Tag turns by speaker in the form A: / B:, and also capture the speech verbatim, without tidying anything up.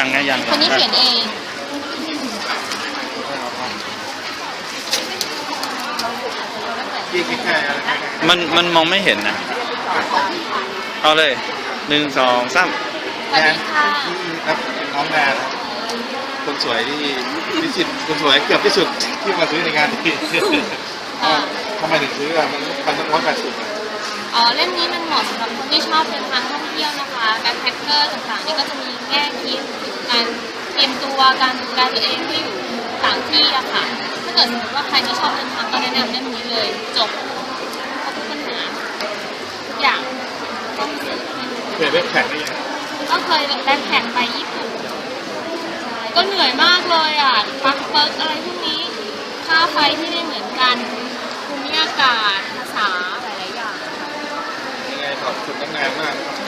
A: ยังนะยัง
B: คนนี้เขียนเอง
C: ยี่คิดแค่อะไร
A: มันมันมองไม่เห็นนะเอาเลยหนึ่งสองสาม
B: สวัสดีค่ะ
C: ครับน้องแนนคนสวยที่ที่สุดคนสวยเกือบที่สุดที่มาซื้อในงานที่ทำไมถึงซื้ออ่ะมันพันต้องร้อยแปดสิบ
B: อ๋อเล่มนี้มันเหมาะสำหรับคนที่ชอบเดินทางท่องเที่ยวนะคะแบ็คแพคเกอร์ต่างๆนี่ก็จะมีแง่คิดการเตรียมตัวการดูแลตัวเองที่อยู่ต่างที่อะค่ะถ้าเกิดสมมติว่าใครที่ชอบเดินทางก็แนะนำเล่มนี้เลยจบครบทุกปัญหาทุกอย่างต้องซื้อ
C: เคยเว็บแข่งได้ยัง
B: ก็เคยแบ็คแพคไปญี่ปุ่นใช่ก็เหนื่อยมากเลยอ่ะปักเปิกอะไรพวกนี้ค่าไฟที่ไม่เหมือนกันภูมิอากาศภาษาหลายๆอย่าง
C: ยังไงขอบคุณน้องแนนมาก